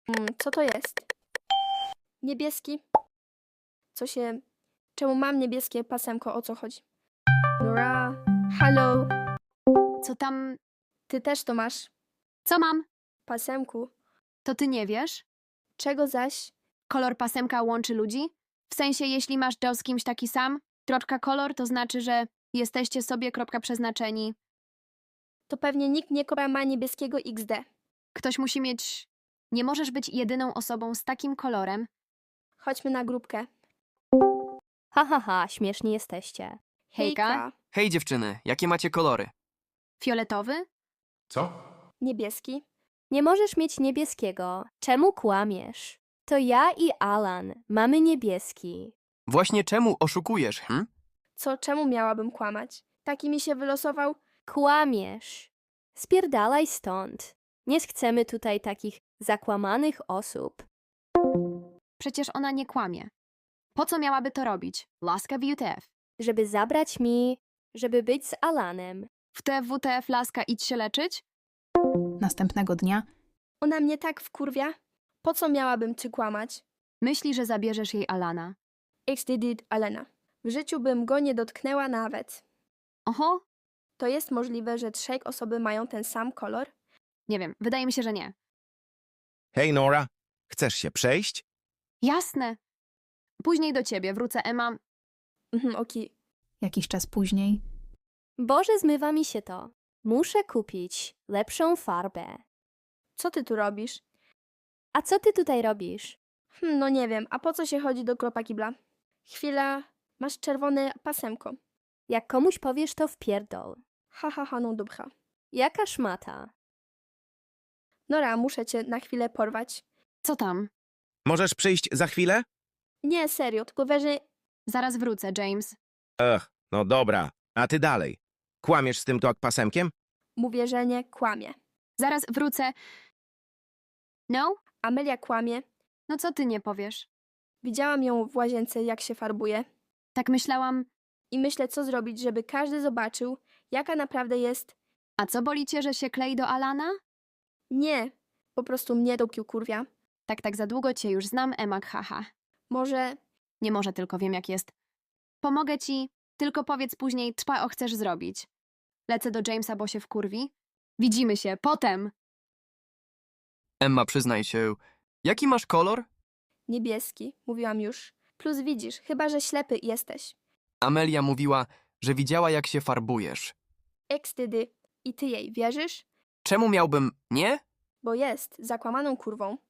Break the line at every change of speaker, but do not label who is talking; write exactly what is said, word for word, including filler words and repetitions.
Mm, co to jest? Niebieski? Co się... Czemu mam niebieskie pasemko? O co chodzi? Nora? Halo?
Co tam?
Ty też to masz?
Co mam?
Pasemku?
To ty nie wiesz?
Czego zaś?
Kolor pasemka łączy ludzi? W sensie, jeśli masz Joe z kimś taki sam, kropka kolor to znaczy, że jesteście sobie kropka przeznaczeni.
To pewnie nikt nie kora ma niebieskiego iks de.
Ktoś musi mieć... Nie możesz być jedyną osobą z takim kolorem.
Chodźmy na grupkę.
Ha, ha, ha, śmieszni jesteście.
Hejka.
Hej dziewczyny, jakie macie kolory?
Fioletowy?
Co?
Niebieski?
Nie możesz mieć niebieskiego. Czemu kłamiesz? To ja i Alan mamy niebieski.
Właśnie czemu oszukujesz, hm?
Co, czemu miałabym kłamać? Taki mi się wylosował?
Kłamiesz. Spierdalaj stąd. Nie chcemy tutaj takich zakłamanych osób.
Przecież ona nie kłamie. Po co miałaby to robić? Laska w U T F.
Żeby zabrać mi, żeby być z Alanem.
W T F W T F laska idź się leczyć?
Następnego dnia
Ona mnie tak wkurwia? Po co miałabym ci kłamać?
Myśli, że zabierzesz jej Alana.
X D D Alena. W życiu bym go nie dotknęła nawet.
Oho?
To jest możliwe, że trzej osoby mają ten sam kolor?
Nie wiem, wydaje mi się, że nie.
Hej, Nora, chcesz się przejść?
Jasne. Później do ciebie wrócę, Emma.
Mhm, okej.
jakiś czas później
Boże, zmywa mi się to. Muszę kupić lepszą farbę.
Co ty tu robisz?
A co ty tutaj robisz?
Hm, no nie wiem, a po co się chodzi do kropa kibla? Chwila, masz czerwone pasemko.
Jak komuś powiesz, to wpierdol.
Ha, ha, ha, no dobra.
Jaka szmata.
Nora, muszę cię na chwilę porwać.
Co tam?
Możesz przyjść za chwilę?
Nie, serio, tylko wiesz, że...
Zaraz wrócę, James.
Ech, no dobra, a ty dalej. Kłamiesz z tym tok pasemkiem?
Mówię, że nie kłamie.
Zaraz wrócę. No?
Amelia kłamie.
No co ty nie powiesz?
Widziałam ją w łazience, jak się farbuje.
Tak myślałam.
I myślę, co zrobić, żeby każdy zobaczył, jaka naprawdę jest...
A co boli cię, że się klei do Alana?
Nie, po prostu mnie dopił kurwia.
Tak, tak za długo cię już znam, Emma, haha.
Może...
Nie może, tylko wiem jak jest. Pomogę ci, tylko powiedz później, co o chcesz zrobić. Lecę do Jamesa, bo się wkurwi. Widzimy się, potem!
Emma, przyznaj się, jaki masz kolor?
Niebieski, mówiłam już. Plus widzisz, chyba że ślepy jesteś.
Amelia mówiła, że widziała jak się farbujesz.
Ekstydy. I ty jej wierzysz?
Czemu miałbym nie?
Bo jest zakłamaną kurwą.